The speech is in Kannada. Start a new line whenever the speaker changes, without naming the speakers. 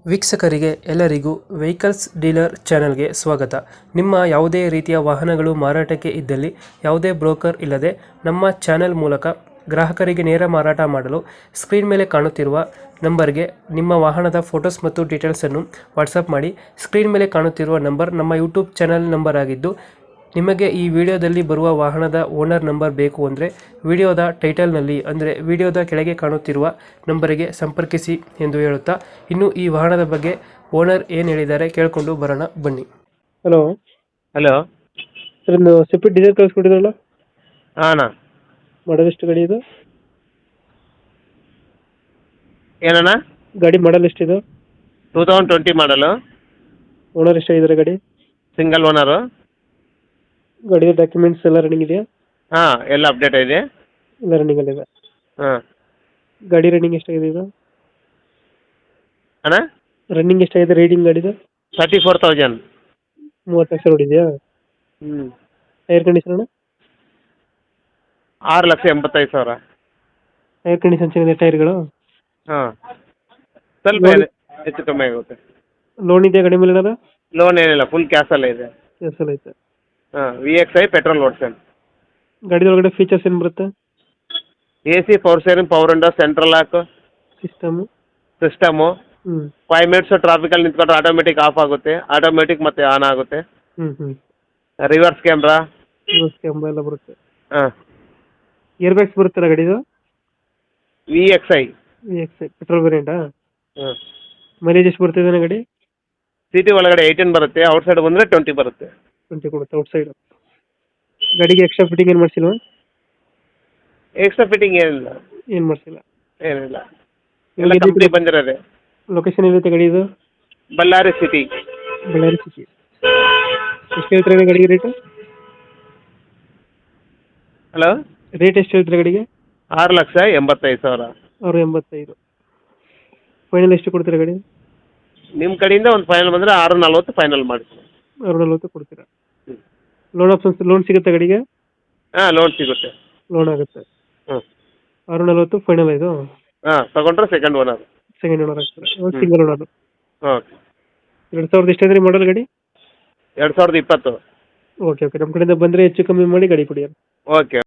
ವೀಕ್ಷಕರಿಗೆ ಎಲ್ಲರಿಗೂ ವೆಹಿಕಲ್ಸ್ ಡೀಲರ್ ಚಾನೆಲ್ಗೆ ಸ್ವಾಗತ. ನಿಮ್ಮ ಯಾವುದೇ ರೀತಿಯ ವಾಹನಗಳು ಮಾರಾಟಕ್ಕೆ ಇದ್ದಲ್ಲಿ ಯಾವುದೇ ಬ್ರೋಕರ್ ಇಲ್ಲದೆ ನಮ್ಮ ಚಾನೆಲ್ ಮೂಲಕ ಗ್ರಾಹಕರಿಗೆ ನೇರ ಮಾರಾಟ ಮಾಡಲು ಸ್ಕ್ರೀನ್ ಮೇಲೆ ಕಾಣುತ್ತಿರುವ ನಂಬರ್ಗೆ ನಿಮ್ಮ ವಾಹನದ ಫೋಟೋಸ್ ಮತ್ತು ಡೀಟೇಲ್ಸನ್ನು ವಾಟ್ಸಪ್ ಮಾಡಿ. ಸ್ಕ್ರೀನ್ ಮೇಲೆ ಕಾಣುತ್ತಿರುವ ನಂಬರ್ ನಮ್ಮ ಯೂಟ್ಯೂಬ್ ಚಾನೆಲ್ ನಂಬರ್ ಆಗಿದ್ದು, ನಿಮಗೆ ಈ ವಿಡಿಯೋದಲ್ಲಿ ಬರುವ ವಾಹನದ ಓನರ್ ನಂಬರ್ ಬೇಕು ಅಂದರೆ ವಿಡಿಯೋದ ಟೈಟಲ್ನಲ್ಲಿ ಅಂದರೆ ವಿಡಿಯೋದ ಕೆಳಗೆ ಕಾಣುತ್ತಿರುವ ನಂಬರಿಗೆ ಸಂಪರ್ಕಿಸಿ ಎಂದು ಹೇಳುತ್ತಾ, ಇನ್ನು ಈ ವಾಹನದ ಬಗ್ಗೆ ಓನರ್ ಏನು ಹೇಳಿದ್ದಾರೆ ಕೇಳಿಕೊಂಡು ಬರೋಣ ಬನ್ನಿ. Hello
hello.
ಸರ್, ಒಂದು ಸ್ವಿಫ್ಟ್ ಡಿಸೈರ್ ಕಳಿಸ್ಕೊಟ್ಟಿದ್ರಲ್ಲ,
ಹಾಂ
ಮಾಡಲ್ ಎಷ್ಟು ಗಾಡಿ ಇದು?
ಏನಣ್ಣ?
ಗಾಡಿ ಮಾಡಲ್ ಎಷ್ಟಿದೆ?
2020 ಮಾಡಲು,
ಓನರ್ ಎಷ್ಟಾಗಿದ್ದಾರೆ ಗಾಡಿ?
Single owner.
ಗಾಡಿಯ ಡಾಕ್ಯುಮೆಂಟ್ಸ್ ಎಲ್ಲ ರನ್ನಿಂಗ್ ಇದೆಯಾ?
ಹಾಂ, ಎಲ್ಲ ಅಪ್ಡೇಟ್ ಇದೆ.
ಎಲ್ಲ ರನ್ನಿಂಗ್ ಅಲ್ಲಿದೆ.
ಹಾಂ
ಗಾಡಿ ರನ್ನಿಂಗ್ ಎಷ್ಟಾಗಿದೆ ಇದು?
ಅಣ್ಣ,
ರನ್ನಿಂಗ್ ಎಷ್ಟಾಗಿದೆ ರೈಡಿಂಗ್ ಗಾಡಿದು?
34,000.
30 ಲಕ್ಷ ಹೊಡಿದೆಯಾ?
ಹ್ಞೂ.
ಟೈರ್ ಕಂಡೀಷನ್ ಅಣ್ಣ?
6,85,000.
ಟೈರ್ ಕಂಡೀಷನ್ ಚೆನ್ನಾಗಿದೆ ಟೈರ್ಗಳು?
ಹಾಂ, ಸ್ವಲ್ಪ ಹೆಚ್ಚು ಕಮ್ಮಿ ಆಗುತ್ತೆ.
ಲೋನ್ ಇದೆಯಾ ಗಾಡಿ ಮೇಲೆ ಏನಾರ?
ಲೋನ್ ಏನಿಲ್ಲ, ಫುಲ್ ಕ್ಯಾಶಲ್ಲೇ ಇದೆ.
ಎಸ್ ಐತೆ.
ಹಾಂ, VXI ಪೆಟ್ರೋಲ್ ಓಡ್ಸನ್.
ಗಾಡಿ ಒಳಗಡೆ ಫೀಚರ್ಸ್ ಏನು ಬರುತ್ತೆ?
AC, power steering, power window, central lock
system?
System. 5 minutes ಟ್ರಾಫಿಕಲ್ಲಿ ನಿಂತ್ಕೊಂಡ್ರೆ ಆಟೋಮೆಟಿಕ್ ಆಫ್ ಆಗುತ್ತೆ, ಆಟೋಮೆಟಿಕ್ ಮತ್ತೆ ಆನ್ ಆಗುತ್ತೆ. Reverse camera.
ಕ್ಯಾಮ್ರಾ ಎಲ್ಲ ಬರುತ್ತೆ.
ಹಾಂ.
ಏರ್ ಬ್ಯಾಗ್ಸ್ ಬರುತ್ತಲ್ಲ ಗಾಡಿದು?
VXI.
ಪೆಟ್ರೋಲ್ ವೇರಿಯಂಟಾ?
ಹಾಂ.
ಮೈಲೇಜ್ ಎಷ್ಟು ಬರ್ತಿದೆ ಗಾಡಿ?
ಸಿಟಿ ಒಳಗಡೆ 18 ಬರುತ್ತೆ, ಔಟ್ಸೈಡ್ ಬಂದರೆ 20 ಬರುತ್ತೆ.
20 ಕೊಡುತ್ತೆ ಔಟ್ ಸೈಡ್. ಗಾಡಿಗೆ ಎಕ್ಸ್ಟ್ರಾ ಫಿಟ್ಟಿಂಗ್ ಏನು ಮಾಡಿಸಿಲ್ವಾ?
ಎಕ್ಸ್ಟ್ರಾ ಫಿಟ್ಟಿಂಗ್ ಏನಿಲ್ಲ.
ಏನು ಮಾಡಿಸಿಲ್ಲ?
ಏನಿಲ್ಲ, ಎಲ್ಲ ಕಂಪ್ನಿ ಬಂದಿರೋದೆ.
ಲೊಕೇಶನ್ ಎಲ್ಲಿರುತ್ತೆ ಗಾಡಿ ಇದು?
ಬಳ್ಳಾರಿ ಸಿಟಿ.
ಬಳ್ಳಾರಿ ಸಿಟಿ. ಎಷ್ಟು ಹೇಳ್ತಾರೆ ಗಾಡಿಗೆ ರೇಟು?
ಹಲೋ,
ರೇಟ್ ಎಷ್ಟು ಹೇಳ್ತಾರೆ ಗಾಡಿಗೆ?
6,85,000.
685. ಫೈನಲ್ ಎಷ್ಟು ಕೊಡ್ತೀರಾ ಗಾಡಿ?
ನಿಮ್ಮ ಕಡೆಯಿಂದ ಒಂದು ಫೈನಲ್ ಬಂದರೆ 6,40 ಫೈನಲ್ ಮಾಡ್ತೀನಿ.
640 ಕೊಡ್ತೀರಾ? ಲೋನ್ ಆಪ್ಷನ್ಸ್, ಲೋನ್ ಸಿಗುತ್ತೆ ಗಾಡಿಗೆ?
ಹಾಂ, ಲೋನ್ ಸಿಗುತ್ತೆ.
ಲೋನ್ ಆಗುತ್ತೆ.
ಹ್ಞೂ.
640 ಫೈನಲ್ ಇದು?
ಹಾಂ, ತಗೊಂಡ್ರೆ ಸೆಕೆಂಡ್ ಓನರ್.
ಸೆಕೆಂಡ್ ಓನರ್ ಆಗ್ತಾರೆ. Single owner.
ಓಕೆ.
2000 ಎಷ್ಟು ಅಂದರೆ ಮಾಡಲ್ ಗಾಡಿ?
2020.
ಓಕೆ. ನಮ್ಮ ಕಡೆಯಿಂದ ಬಂದರೆ ಹೆಚ್ಚು ಕಮ್ಮಿ ಮಾಡಿ ಗಾಡಿ ಕೊಡಿ.
ಓಕೆ.